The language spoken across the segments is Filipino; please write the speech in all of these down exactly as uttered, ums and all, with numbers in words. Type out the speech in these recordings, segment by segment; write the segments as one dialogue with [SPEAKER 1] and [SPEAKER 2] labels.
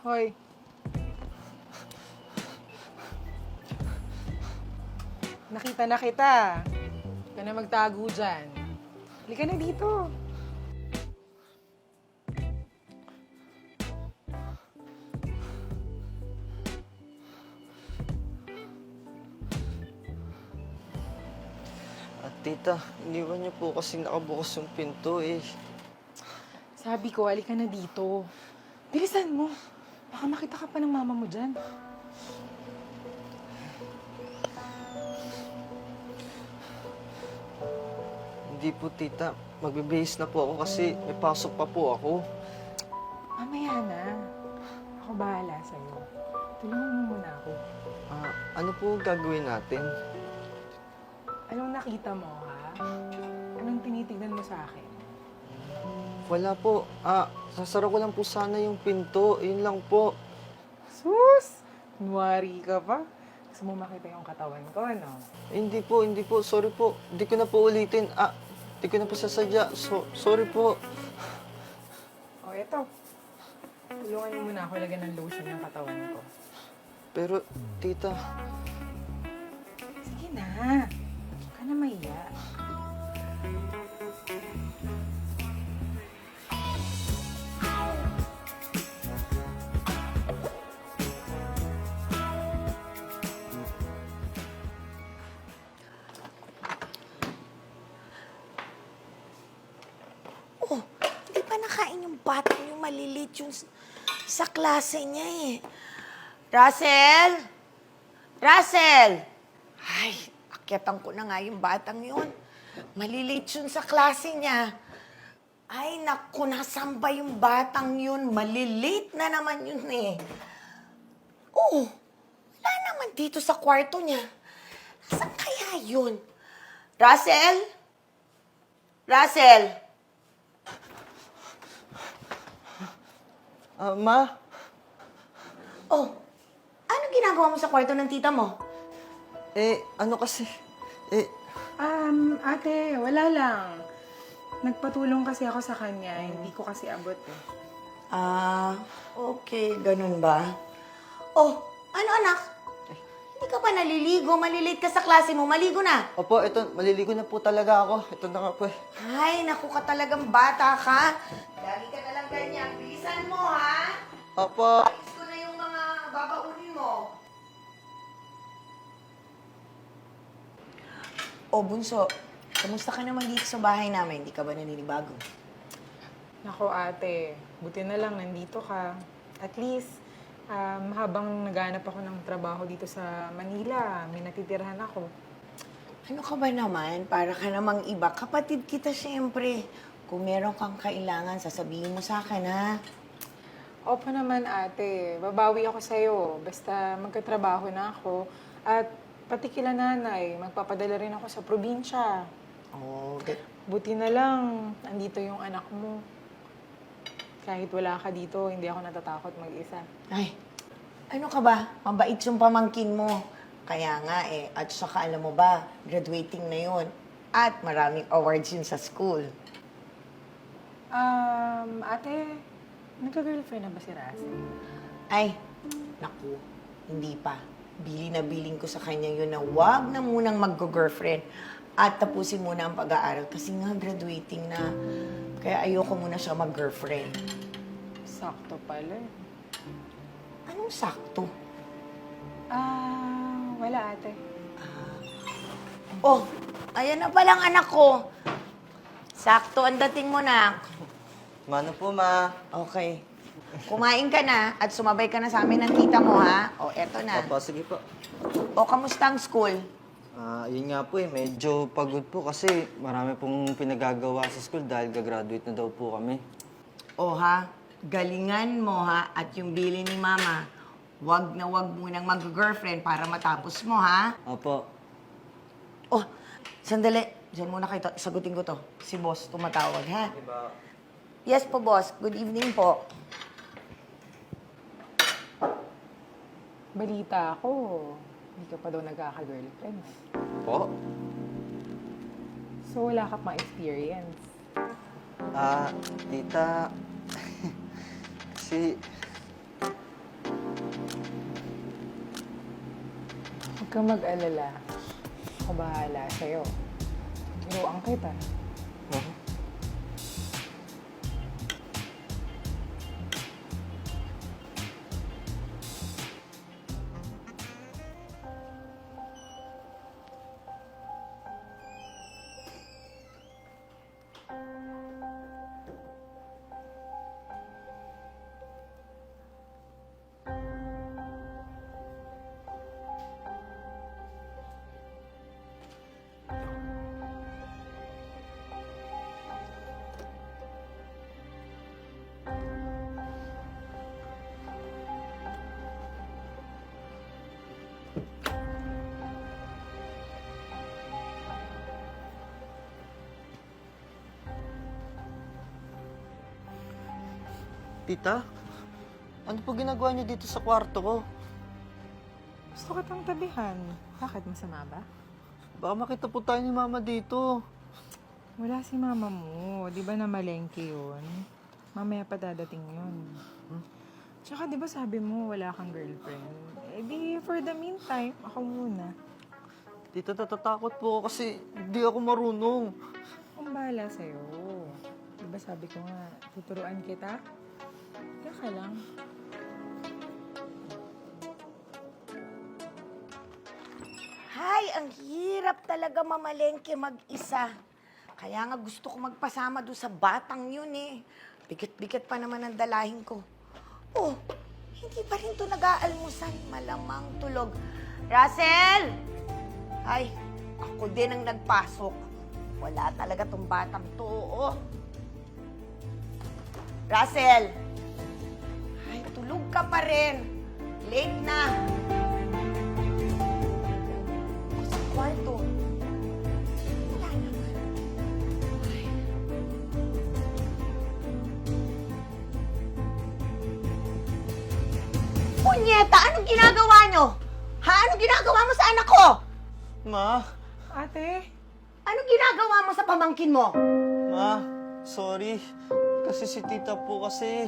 [SPEAKER 1] Hoy. Nakita na kita. Huwag ka na magtago dyan. Halika na dito.
[SPEAKER 2] At tita, iniwan niyo po kasi nakabukas yung pinto eh.
[SPEAKER 1] Sabi ko, halika na dito. Bilisan mo. Baka makita ka pa ng mama mo dyan.
[SPEAKER 2] Hindi po tita, magbibihis na po ako kasi may pasok pa po ako.
[SPEAKER 1] Mamaya na. Ako bahala sa'yo. Tulungan mo muna ako.
[SPEAKER 2] Ah, ano po gagawin natin?
[SPEAKER 1] Anong nakita mo, ha? Anong tinitignan mo sa akin?
[SPEAKER 2] Wala po. Ah, sasara ko lang po sana yung pinto. Yun lang po.
[SPEAKER 1] Sus! Kunwari ka pa. Gusto mo makita yung katawan ko, no?
[SPEAKER 2] Eh, hindi po, hindi po. Sorry po. Hindi ko na po ulitin. Ah, hindi ko na po sasadya. So, sorry po.
[SPEAKER 1] O, eto. Tulungan mo muna ako lagyan ng lotion yung katawan ko.
[SPEAKER 2] Pero, tita,
[SPEAKER 1] Sige na. Huwag ka na mahiya.
[SPEAKER 3] Oh, hindi pa nakain yung batang yung malilit yung s- sa klase niya eh. Russell? Russell! Ay, akyatan ko na nga yung batang yun. Malilit yun sa klase niya. Ay, naku, nasan ba yung batang yun? Malilit na naman yun eh. Oh, wala naman dito sa kwarto niya. Nasaan kaya yun? Russell? Russell?
[SPEAKER 2] ah, ma?
[SPEAKER 3] Oh, ano ginagawa mo sa kwarto ng tita mo?
[SPEAKER 2] Eh, ano kasi? Eh,
[SPEAKER 1] Um, ate, wala lang. Nagpatulong kasi ako sa kanya. Hindi ko kasi abot eh.
[SPEAKER 3] Ah, okay. Ganun ba? Oh, ano anak? Hindi ka pa naliligo. Malilate ka sa klase mo. Maligo na.
[SPEAKER 2] opo, ito, maliligo na po talaga ako. Ito na nga po eh.
[SPEAKER 3] Ay, naku ka talagang bata ka. Lagi ka na lang ganyan. Bilisan mo, ha?
[SPEAKER 2] Opo.
[SPEAKER 3] Ayos ko na yung mga babaunin mo. Oh, Bunso. Kamusta ka naman dito sa bahay namin? Hindi ka ba naninibago?
[SPEAKER 1] Nako ate, buti na lang nandito ka. At least, um, habang naghanap ako ng trabaho dito sa Manila, may natitirhan ako.
[SPEAKER 3] Ano ka ba naman? Para ka namang iba. Kapatid kita, siyempre. Kung meron kang kailangan, sasabihin mo sa akin, ha?
[SPEAKER 1] Opo naman ate, babawi ako sa'yo. Basta magkatrabaho na ako. At pati kila nanay, magpapadala rin ako sa probinsya.
[SPEAKER 3] Oh, okay.
[SPEAKER 1] Buti na lang, andito yung anak mo. Kahit wala ka dito, hindi ako natatakot mag-isa.
[SPEAKER 3] Ay, ano ka ba? Mabait yung pamangkin mo. Kaya nga eh, at saka alam mo ba, graduating na yun. At maraming awards yun sa school.
[SPEAKER 1] Um, ate, nagka-girlfriend na ba si Russell?
[SPEAKER 3] Ay, naku, hindi pa. Bili na biling ko sa kanya yun na wag na munang mag-girlfriend at tapusin muna ang pag-aaral kasi nga graduating na. Kaya ayoko muna siya mag-girlfriend.
[SPEAKER 1] Sakto pala eh.
[SPEAKER 3] Anong sakto?
[SPEAKER 1] Ah, wala ate.
[SPEAKER 3] Oh, ayan na palang anak ko. Sakto ang dating mo na.
[SPEAKER 2] Mano po, ma?
[SPEAKER 3] Okay. Kumain ka na at sumabay ka na sa amin ng tita mo, ha? O, eto na.
[SPEAKER 2] Opo, sige po.
[SPEAKER 3] O, kamusta ang school?
[SPEAKER 2] Ah, yun nga po eh, medyo pagod po kasi marami pong pinagagawa sa school dahil gagraduate na daw po kami.
[SPEAKER 3] O, ha? Galingan mo, ha? At yung bili ni mama, wag na wag munang mag-girlfriend para matapos mo, ha?
[SPEAKER 2] Opo.
[SPEAKER 3] Oh, sandali. Diyan muna kayo. Sagutin ko to. Si boss tumatawag, ha?
[SPEAKER 2] Diba?
[SPEAKER 3] Yes po, boss. Good evening po.
[SPEAKER 1] Balita ako, hindi ka pa daw nagkaka-girlfriend.
[SPEAKER 2] Po?
[SPEAKER 1] So, wala ka pang experience.
[SPEAKER 2] Ah, tita, si
[SPEAKER 1] kang mag-alala. Ako bahala sa'yo. Biruan kita.
[SPEAKER 2] Huh? Tita, ano po ginagawa niyo dito sa kwarto ko?
[SPEAKER 1] Gusto kitang tabihan. Bakit masama ba?
[SPEAKER 2] Baka makita po tayo ni Mama dito.
[SPEAKER 1] Wala si mama mo. Di ba na malengke yun? Mamaya pa dadating yun. Tsaka di ba sabi mo wala kang girlfriend? Eh di for the meantime, ako muna.
[SPEAKER 2] Tita, natatakot po ako kasi hindi ako marunong.
[SPEAKER 1] Kung bahala sa'yo. Di ba sabi ko nga, tuturuan kita? Kaya ka lang.
[SPEAKER 3] Hay, ang hirap talaga mamalengke mag-isa. Kaya nga gusto ko magpasama doon sa batang yun eh. Bigat-bigat pa naman ang dalahin ko. Oh, hindi pa rin to nag-aalmusal. Malamang tulog. Russell! Ay, ako din ang nagpasok. Wala talaga tong batang to, oh. Russell! Ay, tulog ka pa rin. Late na. Ako sa kwarto. Wala naman. Ay. Punyeta, anong ginagawa nyo? Ha? Anong ginagawa mo sa anak ko?
[SPEAKER 2] Ma,
[SPEAKER 1] Ate,
[SPEAKER 3] Anong ginagawa mo sa pamangkin mo?
[SPEAKER 2] ma, sorry. Kasi si tita po kasi...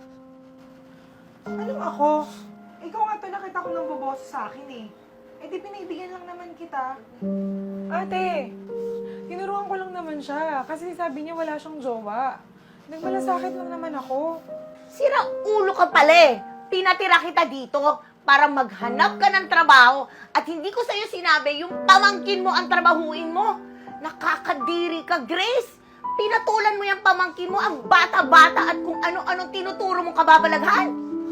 [SPEAKER 1] anong ako? Ikaw nga to nakita ko ng boboso sa akin eh. Eh di pinibigyan lang naman kita. Ate, tinuruan ko lang naman siya kasi sabi niya wala siyang jowa. Nagmalasakit lang naman ako.
[SPEAKER 3] Sira ulo ka pala eh. Pinatira kita dito para maghanap ka ng trabaho at hindi ko sa'yo sinabi yung pamangkin mo ang trabahuin mo. Nakakadiri ka, Grace. Pinatulan mo yung pamangkin mo, ang bata-bata at kung ano-anong tinuturo mong kababalaghan.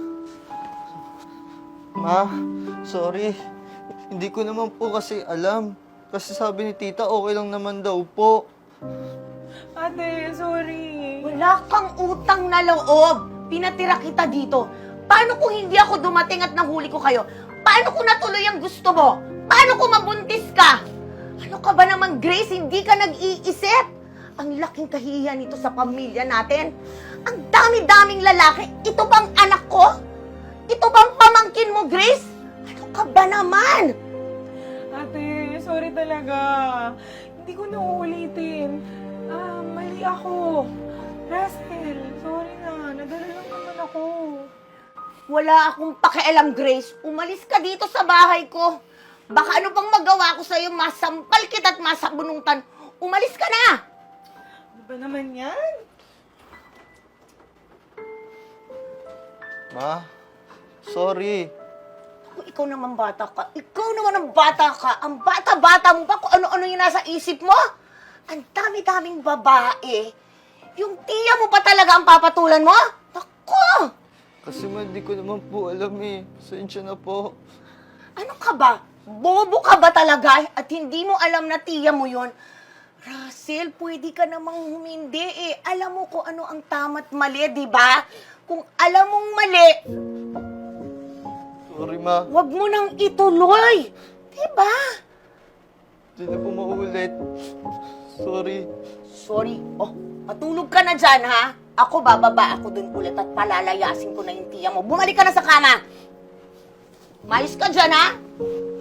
[SPEAKER 2] Ma, sorry. Hindi ko naman po kasi alam. Kasi sabi ni tita, okay lang naman daw po.
[SPEAKER 1] Ate, sorry.
[SPEAKER 3] Wala kang utang na loob. Pinatira kita dito. Paano kung hindi ako dumating at nahuli ko kayo? Paano kung natuloy ang gusto mo? Paano kung mabuntis ka? Ano ka ba naman, Grace? Hindi ka nag-iisip? Ang laking kahihiyan nito sa pamilya natin. Ang dami-daming lalaki. Ito bang anak ko? Ito bang pamangkin mo, Grace? Ano ka ba naman?
[SPEAKER 1] Ate, sorry talaga. Hindi ko na uulitin. Ah, mali ako. Russell, sorry na. Nadala lang naman ako.
[SPEAKER 3] Wala akong pakialam, Grace. Umalis ka dito sa bahay ko. Baka ano pang magawa ko sa'yo, masampal kita at masabunutan. Umalis ka na!
[SPEAKER 1] Ano ba naman yan?
[SPEAKER 2] Ma, sorry.
[SPEAKER 3] Kung ikaw naman bata ka, ikaw naman ang bata ka. Ang bata-bata mo pa kung ano-ano yung nasa isip mo. Ang dami-daming babae. Yung tiya mo pa talaga ang papatulan mo? Naku!
[SPEAKER 2] Kasi ma, di ko naman po alam eh. Sensya na po.
[SPEAKER 3] Ano ka ba? Bobo ka ba talaga? At hindi mo alam na tiya mo yon? Russell, pwede ka namang humindi eh. Alam mo kung ano ang tama't mali, di ba? Kung alam mong mali,
[SPEAKER 2] Sorry ma,
[SPEAKER 3] wag mo nang ituloy. Di ba?
[SPEAKER 2] di na po maulit. Sorry.
[SPEAKER 3] Sorry. Oh, matulog ka na dyan, ha? Ako, bababa ako dun ulit at palalayasin ko na yung tiya mo. Bumalik ka na sa kama. Mayos ka dyan, ha?